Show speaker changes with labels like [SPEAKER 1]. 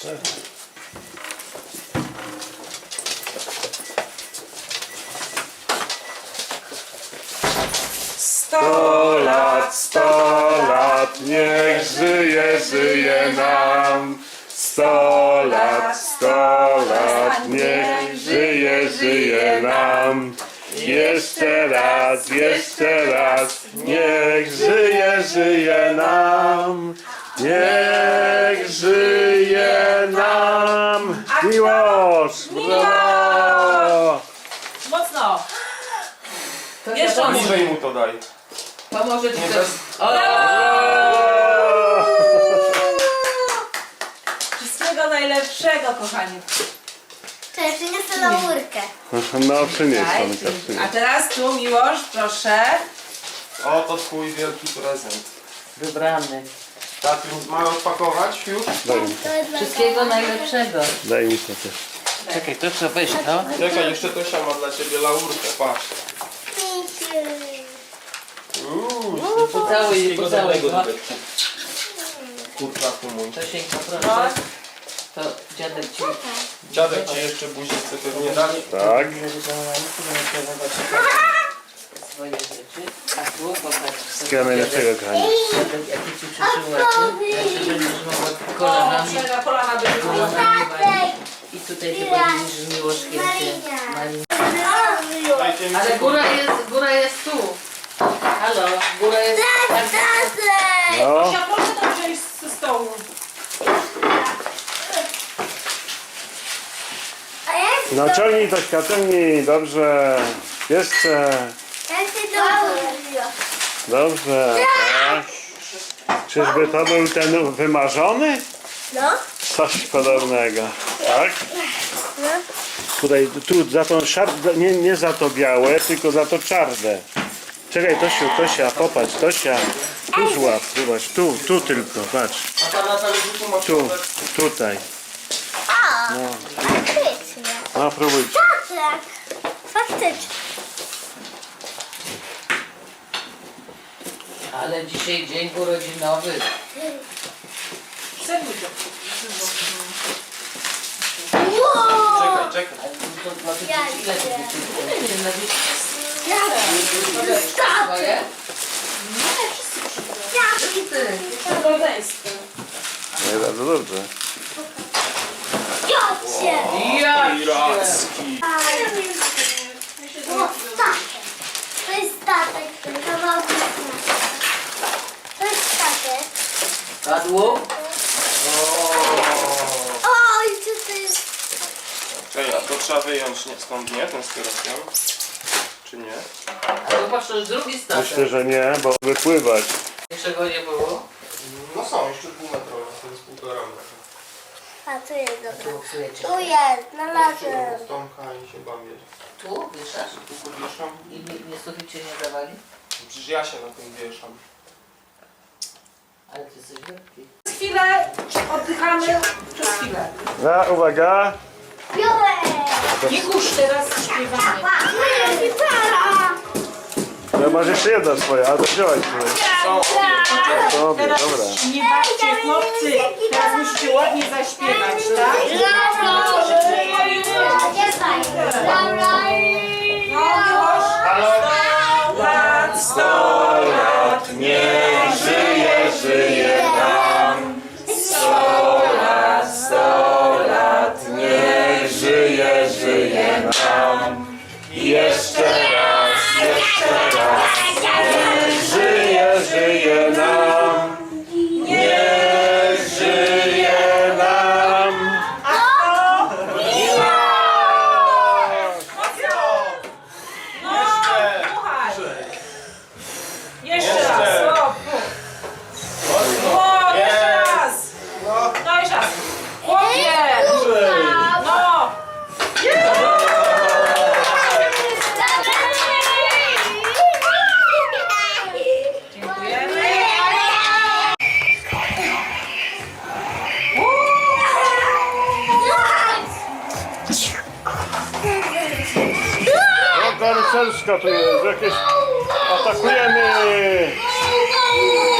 [SPEAKER 1] Sto lat, niech żyje, żyje nam. 100 lat, niech żyje, żyje nam. Jeszcze raz, niech żyje, żyje nam. Niech żyje nam. Miłosz! Brawo!
[SPEAKER 2] Mocno!
[SPEAKER 3] Jeszcze bliżej mu to daj.
[SPEAKER 2] Pomoże ci
[SPEAKER 3] Nie
[SPEAKER 2] też. Wszystkiego najlepszego, kochani.
[SPEAKER 4] Cześć, przyniosę laurkę.
[SPEAKER 1] No przynieś,
[SPEAKER 2] Daj,
[SPEAKER 1] Tomka,
[SPEAKER 2] dzięki.
[SPEAKER 1] przynieś.
[SPEAKER 2] A teraz tu, Miłosz, proszę.
[SPEAKER 3] Oto twój wielki prezent.
[SPEAKER 2] Wybrany.
[SPEAKER 3] Tatu, mamy odpakować już?
[SPEAKER 1] Daj mi to,
[SPEAKER 4] To jest dla
[SPEAKER 2] Wszystkiego najlepszego.
[SPEAKER 1] daj mi to też.
[SPEAKER 2] Czekaj, to trzeba wejść, no.
[SPEAKER 3] Czekaj, jeszcze Tosia ma dla ciebie laurkę, patrz.
[SPEAKER 2] Pocałuj, pocałuj. No.
[SPEAKER 3] Kurczaku mój.
[SPEAKER 2] Tosieńko, proszę. To dziadek ci...
[SPEAKER 3] Dziadek ci jeszcze buzi chce pewnie dać.
[SPEAKER 1] Tak.
[SPEAKER 2] Swoje rzeczy. A tu popatrz.
[SPEAKER 1] Wszystkiego najlepszego, kochani.
[SPEAKER 2] Dziadek, jaki ci przyszył łaty. Jak się będziesz mogła kolanami. Kolanami. I tutaj ty podzielisz z Miłoszkiem się.
[SPEAKER 3] Dajcie mi
[SPEAKER 2] Ale góra jest tu. Halo, góra jest...
[SPEAKER 1] No,
[SPEAKER 2] Tosia, proszę to wziąć ze stołu.
[SPEAKER 1] no ciągnij Tośka, ciągnij, dobrze. Jeszcze, dobrze. Tak. Czyżby to był ten wymarzony?
[SPEAKER 4] No.
[SPEAKER 1] Coś podobnego, tak? Tutaj, tu za tą szardę, nie za to białe, tylko za to czarne. Czekaj Tosiu, Tosia, popatrz, Tosia. Tu złap, zobacz, tu tylko, patrz.
[SPEAKER 3] A pan na talerzyku masz
[SPEAKER 1] Tu, tutaj. No,
[SPEAKER 4] Faktycznie.
[SPEAKER 1] no próbuj.
[SPEAKER 4] Tak. Faktycznie.
[SPEAKER 2] Ale dzisiaj dzień urodzinowy.
[SPEAKER 4] Wow.
[SPEAKER 3] Czekaj.
[SPEAKER 2] Ile to
[SPEAKER 4] Taty.
[SPEAKER 1] Nie, bardzo dobrze.
[SPEAKER 4] Jocie.
[SPEAKER 3] Piracki.
[SPEAKER 4] O, statek. To jest statek. Ten kawałek jest statek. To jest statek.
[SPEAKER 2] Padło?
[SPEAKER 4] Oj, co to jest?
[SPEAKER 3] Czekaj, a to trzeba wyjąć stąd, nie? Ten z kierowcem? Czy nie?
[SPEAKER 2] A zobacz, to już drugi statek.
[SPEAKER 1] Myślę, że nie, bo wypływać.
[SPEAKER 2] Niczego nie było.
[SPEAKER 3] No są, jeszcze półmetrowe, to jest 1,5 metra.
[SPEAKER 4] A, tu jest dobra.
[SPEAKER 2] Tu psujecie.
[SPEAKER 4] Tu jest, znalazłem.
[SPEAKER 3] Z Tomka i się bawię.
[SPEAKER 2] Tu wieszasz?
[SPEAKER 3] Tu podwieszam.
[SPEAKER 2] I nie suficie nie dawali?
[SPEAKER 3] Przecież ja się na tym wieszam.
[SPEAKER 2] Ale ty jesteś wielki.
[SPEAKER 5] Chwilę oddychamy przez chwilę.
[SPEAKER 1] Uwaga.
[SPEAKER 4] Biorę.
[SPEAKER 5] Nie kurz, teraz śpiewamy.
[SPEAKER 4] Moja gitara.
[SPEAKER 1] No masz jeszcze jedna swoja, a to wziąłeś swoje. Dobra,
[SPEAKER 5] Teraz
[SPEAKER 1] dobra.
[SPEAKER 5] nie bawcie, chłopcy. Teraz musicie ładnie zaśpiewać, tak?
[SPEAKER 1] Lat, 100 lat, niech żyje, żyje nam. 100 lat, niech żyje, żyje nam. Jeszcze raz, niech żyje, żyje nam. Niech żyje nam.
[SPEAKER 5] Jeszcze raz. O, jeszcze raz. No jeszcze raz. Chłopie. No. Dziękujemy.
[SPEAKER 1] O, karuselska tu jest, jakieś... Atakujemy!